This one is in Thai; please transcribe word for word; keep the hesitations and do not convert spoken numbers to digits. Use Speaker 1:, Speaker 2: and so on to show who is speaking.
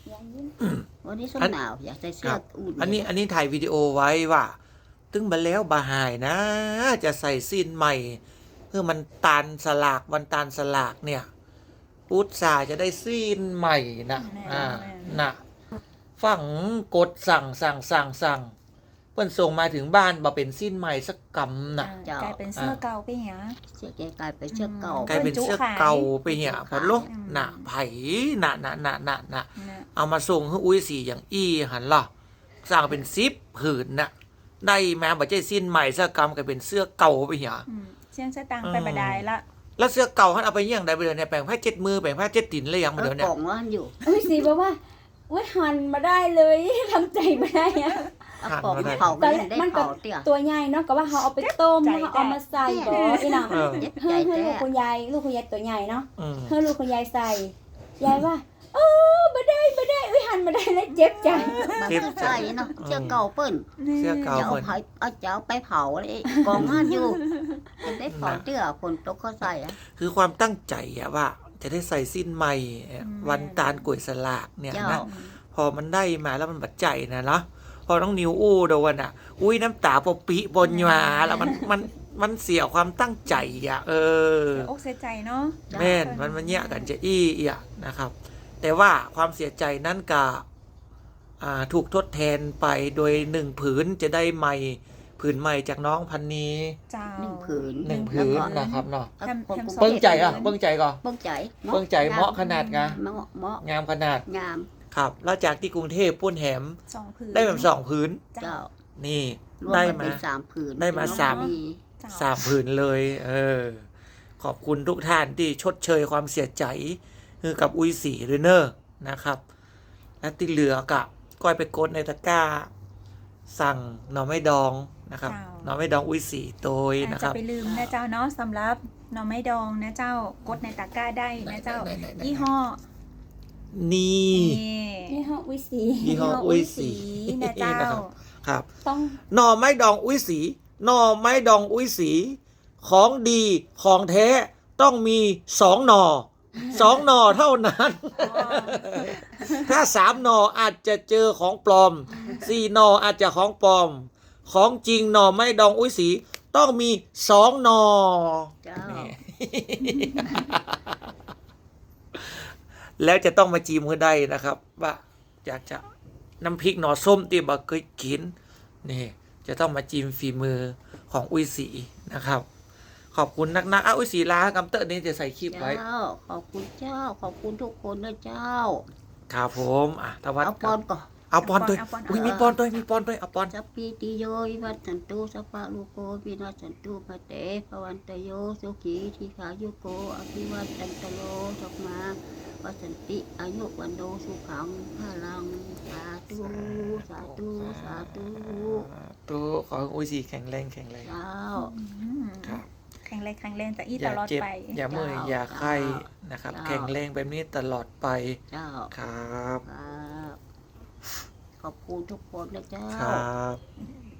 Speaker 1: วันนี้ส้มหนาวอยากใส่เสื้ออุ่น
Speaker 2: อันนี้อันนี้ถ่ายวิดีโอไว้ว่าตึงมาแล้วบาหายนะ จะใส่ซีนใหม่เพื่อมันตาลสลากวันตาลสลากเนี่ยอุตส่าห์จะได้ซีนใหม่นะอ่านะฝั่งกดสั่งสั่งสั่งสั่งเพิ่นส่งมาถึงบ้านบ่เป็นซีนใหม่สักกำนะ
Speaker 3: กลายเป็นเสื้อเก่าไปเหีย
Speaker 1: เสื้อแกกลายเป็นเสื้อเก่าก
Speaker 2: ลายเป็นเสื้อเก่าไปเหี่ยพอลุกหนะไผ่หนะหนะหนะหนะหนะเอามาส่งให้อุ้ยสีอย่างอี้หันล่ะสั่งเป็นซิปผืนน่ะได้มาบ่ใช่สิ้นใหม่เสื้อกำกลายเป็นเสื้อเก่าไปเหี่ย
Speaker 3: เชี่ยงเสื้อตังไปบดายละ
Speaker 2: แล้วเสื้อเก่าท่านเอาไปยังได้ไปเลยเนี่ยแปลงผ้าเจ็ดมือแปลงผ้าเจ็ดตินเลยยังมาเดี๋ยวเนี่ย
Speaker 1: กล่องว่าอยู่
Speaker 4: อุ้ยสีบอกว่าอุ้ยหันมาได้เลยทำใจไม่ได้อะ
Speaker 1: เอากล่องเผาไม่ได้เผาเตี้ย
Speaker 4: ตัวใหญ่เนาะก็ว่าเขาเอาไปต้มแล้วเขาเอามาใส่บ่อีหนังเฮ้ยลูกคุณยายลูกคุณยายตัวใหญ่เนาะเฮ้ยลูกคุณยายใส่ยายว่าโอ้มาได้มาได้อุ้ยหันมาได้แล้วเจ็บใจ
Speaker 1: เจ็บใจเนาะเสื้อเก่าเปิ้น
Speaker 2: เสื้อเก่า
Speaker 1: เปิ้นเอาเอาเจ้าไปเผาเลยกองงานอยู่จะได้เผาเตี้ยคนตกเขาใส่อะ
Speaker 2: คือความตั้งใจอะว่าจะได้ใส่สิ้นใหม่วันตาลกล้วยสลากเนี่ยนะพอมันได้มาแล้วมันบัดใจนะเนาะพอน้องนิวอู้โดนอ่ะอุ้ยน้ำตาปปิบนยาแล้วมันมันมันเสียความตั้งใจอ่ะเออ
Speaker 3: เสียอกเสียใจเนาะ
Speaker 2: แม่นมันมันแยกกันจะอี้อ่ะนะครับแต่ว่าความเสียใจนั้นก็ถูกทดแทนไปโดยหนึ่งผืนจะได้ใหม่ผืนใหม่จากน้องพันนี
Speaker 1: หนึ่งผืน
Speaker 2: หนึ่งผืนนะครับเนาะเบิ้งใจอ่ะเบิ้งใจก่อน
Speaker 1: เบิ้งใจ
Speaker 2: เบิ้งใจเหมาะขนาดงา
Speaker 1: ง
Speaker 2: งามขนาด
Speaker 1: งาม
Speaker 2: ครับแล้วจากที่กรุงเทพปุ้นแหมได้แบบสองผืน
Speaker 1: เจ้า
Speaker 2: นี่ได้มา
Speaker 1: สามผืน
Speaker 2: ได้มาสามสามผืนเลยเออขอบคุณทุกท่านที่ชดเชยความเสียใจคือกับอุ้ยสีเรเนอร์นะครับและที่เหลือกับก้อยไปกดในตะกร้าสั่งหน่อไม้ดองนะครับหน่อไม้ดองอุ้ยสีโตยนะครับ
Speaker 3: จะไปลืมนะเจ้าเนาะสำหรับหน่อไม้ดองนะเจ้ากดในตะกร้าได้นะเจ้ายี่ห้อ
Speaker 2: นี่
Speaker 4: ยี่ห้ออุ้ยสี
Speaker 2: ยี่ห้ออุ้ยสี
Speaker 3: นะเจ้า
Speaker 2: ครับต้องหน่อไม้ดองอุ้ยสีหน่อไม้ดองอุ้ยสีของดีของแท้ต้องมีสองหน่อสองหน่อเท่านั้นถ้าสามหน่ออาจจะเจอของปลอมสี่หน่ออาจจะของปลอมของจริงหน่อไม้ดองอุ้ยสีต้องมีสองหน่อแล้วจะต้องมาจีมให้ได้นะครับว่าอยากจะน้ำพริกหน่อส้มที่บ่เคยกินนี่จะต้องมาจีมฝีมือของอุ้ยสีนะครับขอบคุณนักๆอ้าวอุ้ยสีลากำเตอร์นี่จะใส่คลิปไว้
Speaker 1: ขอบคุณเจ้าขอบคุณทุกคนนะเจ้า
Speaker 2: ครับผมอ่ะตะวัน
Speaker 1: เอาปอนก่อน
Speaker 2: เอาปอนด้วยอุ้ยมีปอนด้วยมีปอนด้วยเอาปอน
Speaker 1: สัพพิติโยวิวัตสันตุสัพพะลูโกวินาศสันตุปะเตภวันตโยสุขีทีขายุโกอภิวัตตันตโลสัมมาวัสันติอายุวันโดสุขังพลังสาธุสาธุสาธุ
Speaker 2: ตัวขออุ้ยสีแข็งแรงแข็งแรง
Speaker 1: เจ้า
Speaker 2: ครับ
Speaker 3: แข็งแรงแข็งแรงจะอีตลอดไป
Speaker 2: อย่าเมื่อยอย่าไข้นะครับแข็งแรงแบบนี้ตลอดไป
Speaker 1: เจ้า
Speaker 2: ครับ
Speaker 1: ขอบคุณทุกคนนะเจ้า
Speaker 2: ครับ